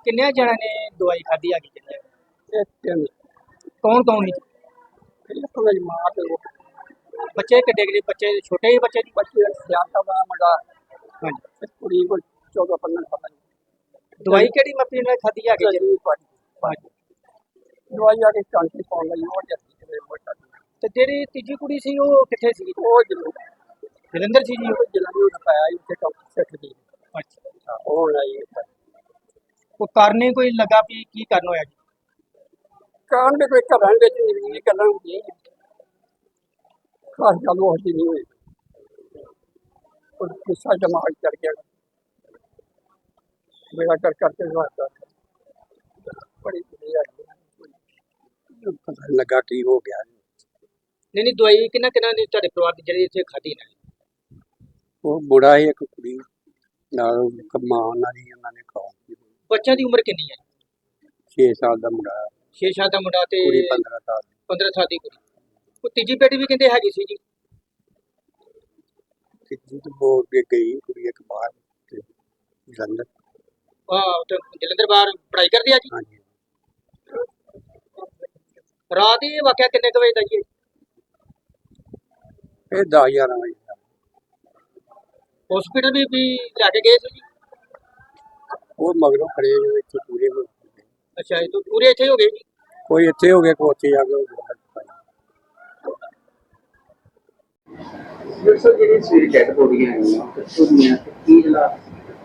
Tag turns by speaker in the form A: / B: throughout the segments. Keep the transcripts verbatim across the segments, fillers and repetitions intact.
A: ਕਿੰਨੇ ਜਣਾਂ ਨੇ ਦਵਾਈ ਖਾਧੀ ਆ ਗਈ
B: ਇਹ ਤਿੰਨ
A: ਕੌਣ ਕੌਣ ਸੀ?
B: ਇੱਕ ਮੇਰੀ ਮਾਂ ਤੇ ਉਹ
A: ਬੱਚੇ ਕਿੱਡੇ ਕਿੱਡੇ ਬੱਚੇ ਛੋਟੇ ਜਿਹੇ ਬੱਚੇ ਜੀ?
B: ਬੱਚੇ ਸਿਆਣਾ ਦਾ ਮੁੰਡਾ
A: ਹਾਂਜੀ।
B: ਤੇ ਕੁੜੀ ਕੋਲ ਚੌਦਾਂ ਪੰਦਰਾਂ ਸਾਲਾਂ ਦੀ।
A: ਦਵਾਈ ਕਿਹੜੀ ਮੱਪੀ ਨਾਲ ਖਾਧੀ ਆ ਗਈ ਜੀ?
B: ਜਰੂਰ ਪਾਣੀ
A: ਹਾਂਜੀ।
B: ਦਵਾਈ ਆ ਕੇ ਚਾਂਟੀ ਪਾਉਣ ਲਈ ਉਹ ਜੱਤੀ ਤੇ ਮੋਟਾ
A: ਤੇ ਜਿਹੜੀ ਤੀਜੀ ਕੁੜੀ ਸੀ ਉਹ ਕਿੱਥੇ ਸੀ?
B: ਉਹ ਜਰੂਰ
A: ਜਲੰਧਰ ਸੀ ਜੀ?
B: ਉਹ ਜਲੰਧਰ ਦਾ ਪਾਇਆ ਇੱਥੇ ਡਾਕਟਰ ਸਿੱਖ ਦੀ।
A: ਅੱਛਾ।
B: ਉਹ ਲਈ
A: ਉਹ ਕਾਰਨ ਕੋਈ ਲੱਗਾ ਵੀ ਕੀ ਕਾਰਨ ਹੋਇਆ ਜੀ?
B: ਕਾਰਨ ਦੇ ਕੋਈ ਘਰਾਂ ਵਿੱਚ ਨਹੀਂ ਗੱਲਾਂ ਹੁੰਦੀਆਂ ਖਾਸ ਗੱਲ ਉਹ ਜਿਹੀ ਨਹੀਂ ਹੋਈ। ਉਹ ਗੁੱਸਾ ਦਿਮਾਗ ਚੜ ਗਿਆ ਮੇਰਾ ਕਰ ਕਰਕੇ ਵਾਸਤਾ ਬੜੀ ਵਧੀਆ ਪਤਾ ਲੱਗਾ ਕੀ ਹੋ ਗਿਆ।
A: ਨਹੀਂ ਨਹੀਂ ਦਵਾਈ ਕਿੰਨਾ ਕਿੰਨਾ ਨੇ ਤੁਹਾਡੇ ਪਰਿਵਾਰ ਦੀ ਜਿਹੜੀ ਇੱਥੇ ਖਾਧੀ ਨੇ?
B: ਉਹ ਬੁੜਾ ਹੀ ਇੱਕ ਕੁੜੀ ਨਾਲ ਮਾਂ ਉਹਨਾਂ ਦੀ ਉਹਨਾਂ ਨੇ ਖਾਈ।
A: ਬੱਚਿਆਂ ਦੀ ਉਮਰ ਕਿੰਨੀ ਹੈ?
B: ਛੇ ਸਾਲ ਦਾ ਮੁੰਡਾ
A: ਛੇ ਸਾਲ ਦਾ ਮੁੰਡਾ ਤੇ
B: ਕੁੜੀ ਪੰਦਰਾਂ ਸਾਲ ਦੀ।
A: ਪੰਦਰਾਂ ਸਾਲ ਦੀ ਕੁੜੀ। ਉਹ ਤੀਜੀ ਬੇਟੀ ਵੀ ਕਹਿੰਦੇ ਹੈਗੀ ਸੀ ਜੀ?
B: ਤੀਜੀ ਤੋਂ ਬੋਲ ਕੇ ਗਈ ਕੁੜੀ ਇੱਕ ਬਾਹਰ ਤੇ ਜਲੰਧਰ।
A: ਆਹ ਤੇ ਜਲੰਧਰ ਬਾਹਰ ਪੜ੍ਹਾਈ ਕਰਦੀ ਆ ਜੀ?
B: ਹਾਂਜੀ।
A: ਰਾਤ ਇਹ ਵਾਕਿਆ ਕਿੰਨੇ ਕੁ ਵਜੇ ਦਾ ਜੀ?
B: ਇਹ ਦਸ ਗਿਆਰਾਂ ਵਜੇ ਦਾ।
A: ਹਸਪੀਟਲ ਵੀ ਵੀ ਲੈ ਕੇ ਗਏ ਸੀ ਜੀ?
B: ਉਹ ਮਗਰੋਂ ਖੜੇ ਜੋ ਇੱਥੇ ਪੂਰੇ ਹੋ ਗਏ।
A: ਅੱਛਾ ਇਹ ਤਾਂ ਪੂਰੇ ਇੱਥੇ ਹੋ ਗਏ ਜੀ?
B: ਕੋਈ ਇੱਥੇ ਹੋ ਗਿਆ ਕੋਈ ਉੱਥੇ ਜਾ ਕੇ ਹੋ ਗਿਆ।
C: ਜਿਸ ਜਿਹੜੀ ਸਵੇਰੇ ਡੈਡ ਬੋਡੀਆਂ ਆਈਆਂ ਕਿੱਥੋਂ ਦੀਆਂ ਤੇ ਕੀ ਹਾਲਾਤ?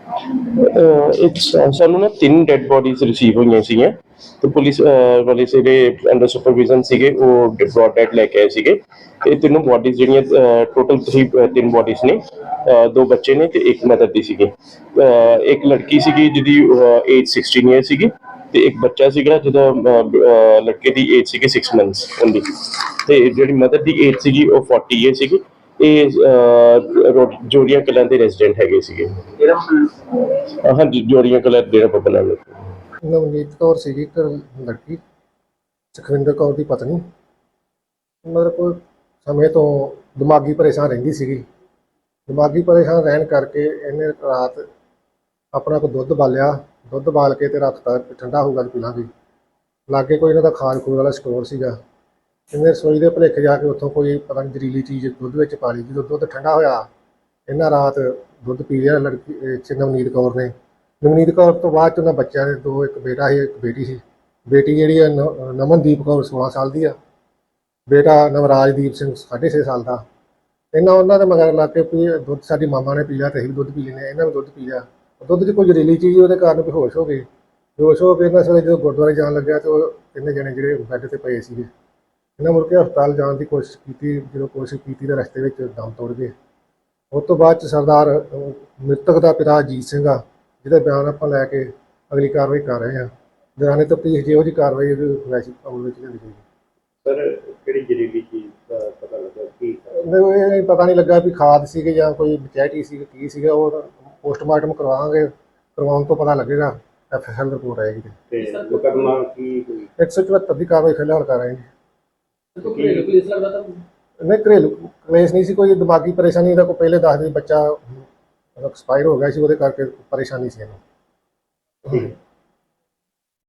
D: ਇੱਕ ਸਾਨੂੰ ਨਾ ਤਿੰਨ ਡੈਡ ਬੋਡੀਜ਼ ਰਿਸੀਵ ਹੋਈਆਂ ਸੀਗੀਆਂ ਤੇ ਪੁਲਿਸ ਵਾਲੇ ਜਿਹੜੇ ਅੰਡਰ ਸੁਪਰਵਿਜ਼ਨ ਸੀਗੇ ਉਹ ਬ੍ਰੌਡ ਡੈਡ ਲੈ ਕੇ ਆਏ ਸੀਗੇ। ਇਹ ਤਿੰਨੋਂ ਬੋਡੀਜ਼ ਜਿਹੜੀਆਂ ਟੋਟਲ ਥ੍ਰੀ ਤਿੰਨ ਬੋਡੀਜ਼ ਨੇ, ਦੋ ਬੱਚੇ ਨੇ ਤੇ ਇੱਕ ਮਦਰ ਦੀ ਸੀਗੀ। ਇੱਕ ਲੜਕੀ ਸੀਗੀ ਜਿਹਦੀ ਏਜ ਸਿਕਸਟੀਨ ਈਅਰ ਸੀਗੀ ਤੇ ਇੱਕ ਬੱਚਾ ਸੀਗਾ ਜਿਹਦਾ ਲੜਕੇ ਦੀ ਏਜ ਸੀਗੀ ਸਿਕਸ ਮੰਥਸ ਓਨਲੀ ਤੇ ਜਿਹੜੀ ਮਦਰ ਦੀ ਏਜ ਸੀਗੀ ਉਹ ਫੋਰਟੀ ਈਅਰ ਸੀਗੀ। ਇਹ ਜੋੜੀਆਂ ਕਲਾਂ ਦੇ ਰੈਜ਼ੀਡੈਂਟ ਹੈਗੇ ਸੀਗੇ। ਹਾਂਜੀ ਜੋੜੀਆਂ ਕਲਾਂ ਡੇਰਾ ਬਾਬਾ ਨਾਨਕ।
E: ਨਵਨੀਤ ਕੌਰ ਸੀਗੀ ਇੱਕ ਲੜਕੀ, ਸੁਖਵਿੰਦਰ ਕੌਰ ਦੀ ਪਤਨੀ। ਮਤਲਬ ਕੋਈ ਸਮੇਂ ਤੋਂ ਦਿਮਾਗੀ ਪਰੇਸ਼ਾਨ ਰਹਿੰਦੀ ਸੀਗੀ। ਦਿਮਾਗੀ ਪਰੇਸ਼ਾਨ ਰਹਿਣ ਕਰਕੇ ਇਹਨੇ ਰਾਤ ਆਪਣਾ ਕੋਈ ਦੁੱਧ ਬਾਲਿਆ, ਦੁੱਧ ਬਾਲ ਕੇ ਤੇ ਰੱਖਤਾ ਠੰਡਾ ਹੋਊਗਾ ਪੀ ਲਾਂਗੇ। ਲਾਗੇ ਕੋਈ ਇਹਨਾਂ ਦਾ ਖਾਣ ਖੂਨ ਵਾਲਾ ਸਟੋਰ ਸੀਗਾ। ਇਹਨੇ ਰਸੋਈ ਦੇ ਭੁਲੇਖੇ ਜਾ ਕੇ ਉੱਥੋਂ ਕੋਈ ਪਤਾ ਨਹੀਂ ਜ਼ਹਿਰੀਲੀ ਚੀਜ਼ ਦੁੱਧ ਵਿੱਚ ਪਾ ਲਈ। ਜਦੋਂ ਦੁੱਧ ਠੰਡਾ ਹੋਇਆ ਇਹਨਾਂ ਰਾਤ ਦੁੱਧ ਪੀ ਲਿਆ ਲੜਕੀ ਨਵਨੀਤ ਕੌਰ ਨੇ। ਨਵਨੀਤ ਕੌਰ ਤੋਂ ਬਾਅਦ 'ਚ ਉਹਨਾਂ ਬੱਚਿਆਂ ਦੇ ਦੋ, ਇੱਕ ਬੇਟਾ ਸੀ ਇੱਕ ਬੇਟੀ ਸੀ। ਬੇਟੀ ਜਿਹੜੀ ਹੈ ਨ ਨਮਨਦੀਪ ਕੌਰ ਸੋਲਾਂ ਸਾਲ ਦੀ ਆ, ਬੇਟਾ ਨਵਰਾਜਦੀਪ ਸਿੰਘ ਸਾਢੇ ਛੇ ਸਾਲ ਦਾ। ਇਹਨਾਂ ਉਹਨਾਂ ਦੇ ਮਗਰ ਲੱਗ ਕੇ ਵੀ ਦੁੱਧ ਸਾਡੀ ਮਾਮਾ ਨੇ ਪੀ ਲਿਆ ਤੇ ਅਸੀਂ ਵੀ ਦੁੱਧ ਪੀ ਲੈਂਦੇ। ਇਹਨਾਂ ਨੇ ਦੁੱਧ ਪੀ ਲਿਆ, ਦੁੱਧ 'ਚ ਕੋਈ ਜ਼ਹਿਰੀਲੀ ਚੀਜ਼ ਉਹਦੇ ਕਾਰਨ ਬੇਹੋਸ਼ ਹੋ ਗਏ। ਬੇਹੋਸ਼ ਹੋ ਕੇ ਇਹਨਾਂ ਸਾਰੇ ਜਦੋਂ ਗੁਰਦੁਆਰੇ ਜਾਣ ਲੱਗਿਆ ਤਾਂ ਉਹ ਤਿੰਨੇ ਜਣੇ ਜਿਹੜੇ ਬੈੱਡ 'ਤੇ ਪਏ ਸੀਗੇ। ਇਹਨਾਂ ਮੁੜ ਕੇ ਹਸਪਤਾਲ ਜਾਣ ਦੀ ਕੋਸ਼ਿਸ਼ ਕੀਤੀ, ਜਦੋਂ ਕੋਸ਼ਿਸ਼ ਕੀਤੀ ਤਾਂ ਰਸਤੇ ਵਿੱਚ ਦਮ ਤੋੜ ਗਏ। ਉਸ ਤੋਂ ਬਾਅਦ 'ਚ ਸਰਦਾਰ ਮ੍ਰਿਤਕ ਦਾ ਪਿਤਾ ਅਜੀਤ ਸਿੰਘ ਆ, ਜਿਹਦੇ ਬਿਆਨ ਆਪਾਂ ਲੈ ਕੇ ਅਗਲੀ ਕਾਰਵਾਈ ਕਰ ਰਹੇ ਹਾਂ। ਦੌਰਾਨੇ ਤਫਤੀਸ਼ ਜਿਹੋ ਜਿਹੀ ਕਾਰਵਾਈ ਵੈਸੀ ਅਮਲ ਵਿੱਚ ਲਿਆਂਦੀ ਗਈ।
D: ਸਰ ਕਿਹੜੀ ਜ਼ਹਿਰੀਲੀ ਚੀਜ਼ ਦਾ ਪਤਾ ਲੱਗਾ ਕੀ?
E: ਇਹ ਪਤਾ ਨਹੀਂ ਲੱਗਾ ਵੀ ਖਾਦ ਸੀਗੇ ਜਾਂ ਕੋਈ ਬਚੈਟੀ ਸੀ ਕੀ ਸੀਗਾ। ਉਹ ਪੋਸਟਮਾਰਟਮ ਕਰਵਾਵਾਂਗੇ, ਕਰਵਾਉਣ ਤੋਂ ਪਤਾ ਲੱਗੇਗਾ। ਐਫ ਐਸ ਐਲ ਰਿਪੋਰਟ ਆਏਗੀ
D: ਤੇ ਮੁਕੱਦਮਾ ਕੀ ਹੋਈ?
E: ਇੱਕ ਸੌ ਚੁਹੱਤਰ ਦੀ ਕਾਰਵਾਈ ਫਿਲਹਾਲ ਕਰ ਰਹੇ ਹਾਂ।
A: ਘਰੇਲੂ ਕਲੇਸ਼ ਲੱਗਦਾ ਤੁਹਾਨੂੰ?
E: ਨਹੀਂ ਘਰੇਲੂ ਕਲੇਸ਼ ਨਹੀਂ ਸੀ ਕੋਈ, ਦਿਮਾਗੀ ਪਰੇਸ਼ਾਨੀ। ਇਹਦਾ ਕੋਈ ਪਹਿਲੇ ਦੱਸਦੇ ਬੱਚਾ ਐਕਸਪਾਇਰ ਹੋ ਗਿਆ ਸੀ, ਉਹਦੇ ਕਰਕੇ ਪਰੇਸ਼ਾਨੀ ਸੀ ਇਹਨੂੰ।